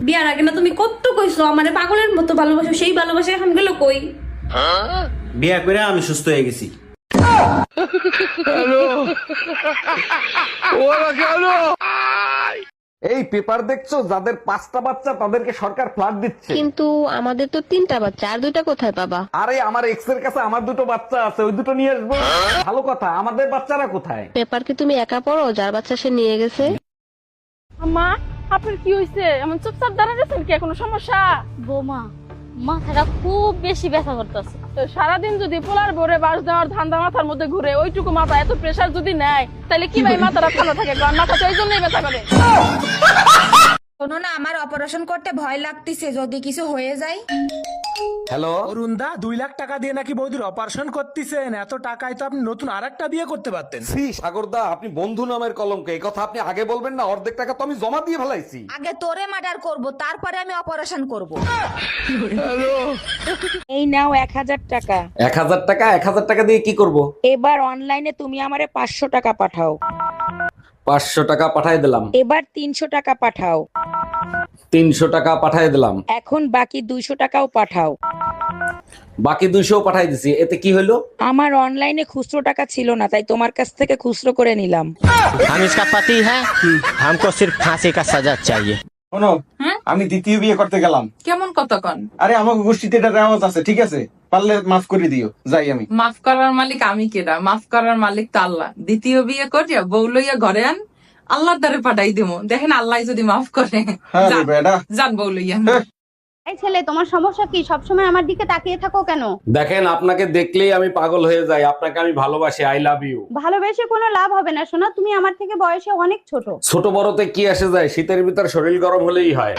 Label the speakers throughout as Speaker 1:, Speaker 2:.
Speaker 1: বিয়ার আগে না তুমি কত কইছো আমারে পাগলের মতো ভালোবাসো, সেই ভালোবাসা এখন গেল কই?
Speaker 2: বিয়া করে আমি সুস্থ হয়ে গেছি।
Speaker 3: এই পেপার দেখছো, যাদের 5টা বাচ্চা তাদেরকে সরকার ফ্ল্যাট দিচ্ছে।
Speaker 4: কিন্তু আমাদের তো 3টা বাচ্চা, আর 2টা কোথায় পাবা?
Speaker 3: আরে আমার এক্স এর কাছে আমার 2টো বাচ্চা আছে, ওই 2টো নিয়ে আসবো। ভালো কথা, আমাদের বাচ্চারা কোথায়?
Speaker 4: পেপার কি তুমি একা পড়ো? যার বাচ্চা সে নিয়ে গেছে।
Speaker 5: মা, আপনার কি হয়েছে? এমন চুপচাপ দাঁড়া গেছেন, কি কোনো সমস্যা?
Speaker 6: বৌমা, মাথাটা খুব বেশি ব্যথা করতেছে।
Speaker 5: তো সারাদিন যদি পোলার ভরে বাস দেওয়ার ধান্দা মাথার মধ্যে ঘুরে, ওইটুকু মাথা এত প্রেসার যদি নেয়, তাহলে কি ভাই মাথাটা ঠান্ডা থাকে? মাথা তো এই জন্যই ব্যথা করে।
Speaker 7: শোনো না, আমার অপারেশন করতে ভয় লাগতেছে, যদি কিছু হয়ে যায়।
Speaker 3: হ্যালো
Speaker 8: অরুণদা, 2 লাখ টাকা দিয়ে নাকি বৌদির অপারেশন করতেছেন? এত টাকায় তো আপনি নতুন আরেকটা বিয়ে করতে পারতেন।
Speaker 3: সি সাগরদা, আপনি বন্ধু নামের কলঙ্ক, এই কথা আপনি আগে বলবেন না? অর্ধেক টাকা তো আমি জমা দিয়ে ফেলাইছি।
Speaker 7: আগে তোরে মার্ডার করব, তারপরে আমি অপারেশন করব।
Speaker 9: এই নাও 1000 টাকা।
Speaker 3: 1000 টাকা? 1000 টাকা দিয়ে কি করব?
Speaker 9: এবার অনলাইনে তুমি আমারে 500 টাকা পাঠাও।
Speaker 3: 500 টাকা পাঠাই দিলাম।
Speaker 9: এবার 300 টাকা পাঠাও।
Speaker 3: 300 টাকা পাঠাই দিলাম।
Speaker 9: এখন বাকি 200 টাকাও পাঠাও।
Speaker 3: বাকি 200 পাঠাই দিছি, এতে কি হলো?
Speaker 9: আমার অনলাইনে খুচরো টাকা ছিল না, তাই তোমার কাছ থেকে খুচরো করে নিলাম।
Speaker 10: हम इसका पति है, हमको सिर्फ फांसी का सजा चाहिए।
Speaker 2: শোনো, আমি দ্বিতীয় বিয়ে করতে গেলাম।
Speaker 11: কেমন কতক্ষণ?
Speaker 2: আরে আমাকে গোষ্ঠীতে এটা রেওয়াজ আছে, ঠিক আছে? পারলে মাফ করে দিও, যাই আমি।
Speaker 11: মাফ করার মালিক আমি কেডা? মাফ করার মালিক তো আল্লাহ। দ্বিতীয় বিয়ে করিয়া বউ লইয়া ঘরে আন, আল্লাহর দ্বারে পাঠাই দিব, দেখেন আল্লাহ যদি মাফ করে।
Speaker 2: হ্যাঁ রে বেটা।
Speaker 11: যান বউ লইয়া।
Speaker 5: এই ছেলে, তোমার সমস্যা কি? সবসময় আমার দিকে তাকিয়ে থাকো কেন?
Speaker 3: দেখেন, আপনাকে দেখলেই আমি পাগল হয়ে যাই। আপনাকে আমি ভালোবাসি, আই লাভ ইউ।
Speaker 5: ভালোবেসে কোনো লাভ হবে না সোনা, তুমি আমার থেকে বয়সে অনেক ছোট।
Speaker 3: ছোট বড়তে কি আসে যায়? শীতের ভিতর শরীর গরম হলেই হয়।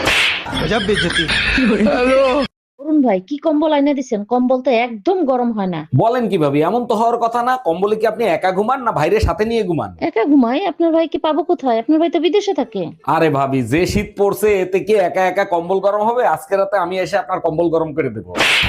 Speaker 6: অরুণ ভাই, কি কম্বল আইনা দিছেন? কম্বল তো একদম গরম হয় না।
Speaker 3: বলেন কি ভাবি, এমন তো হওয়ার কথা না। কম্বলে কি আপনি একা ঘুমান না ভাইরে সাথে নিয়ে ঘুমান?
Speaker 6: একা ঘুমাই? আপনার ভাই কি পাবো কোথায়? আপনার ভাই তো বিদেশে থাকে।
Speaker 3: আরে ভাবি, যে শীত পড়ছে এতে কি একা একা কম্বল গরম হবে? আজকে রাতে আমি এসে আপনার কম্বল গরম করে দেবো।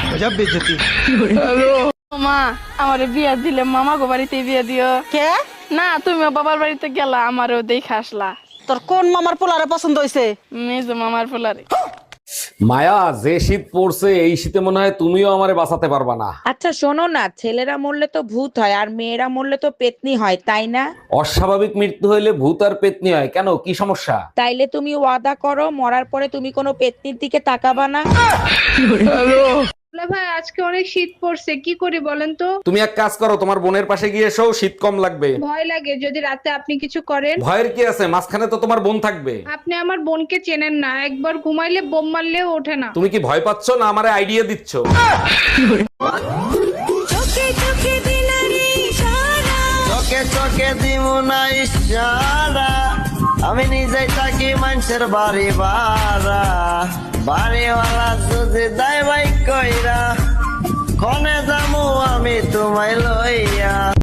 Speaker 5: মা, আমারে বিয়া দিলে মামা গো বাড়িতে বিয়া দিও। কে? না, তুমিও বাবার বাড়িতে গেলা, আমারও দেখে আসলা।
Speaker 9: তোর কোন মামার পোলারে পছন্দ হইছে?
Speaker 5: মেজো মামার পোলারে।
Speaker 3: মায়া, যে শীত পড়ছে এই শীতে মনে হয় তুমিও আমারে বাঁচাতে পারবা না।
Speaker 9: আচ্ছা শোনো না, ছেলেরা মরলে তো ভূত হয়, আর মেয়েরা মরলে তো পেতনি হয়, তাই না?
Speaker 3: অস্বাভাবিক মৃত্যু হইলে ভূত আর পেতনি হয়, কেন? কি সমস্যা?
Speaker 9: তাইলে তুমি ওয়াদা করো, মরার পরে তুমি কোনো পেতনির দিকে তাকাবা না।
Speaker 5: ভাই, আজকে অনেক শীত পড়ছে, কি করি বলেন তো?
Speaker 3: তুমি এক কাজ করো, তোমার বোনের পাশে গিয়ে এসো, শীত কম লাগবে।
Speaker 5: ভয় লাগে যদি রাতে আপনি কিছু করেন।
Speaker 3: ভয়ের কি আছে? মাঝখানে তো তোমার বোন থাকবে।
Speaker 5: আপনি আমার বোনকে চেনেন না, একবার ঘুমাইলে বোম মারলেও ওঠে না।
Speaker 3: তুমি কি ভয় পাচ্ছ না আমারে আইডিয়া দিচ্ছ?
Speaker 10: চোখে চোখে দিব না ইশারা, আমি নিজেই থাকি মানুষের বাড়ি ভাড়া, বাড়িওয়ালা যদি দায় ভাই কইরা, কনে যামু আমি তোমায় লইয়া।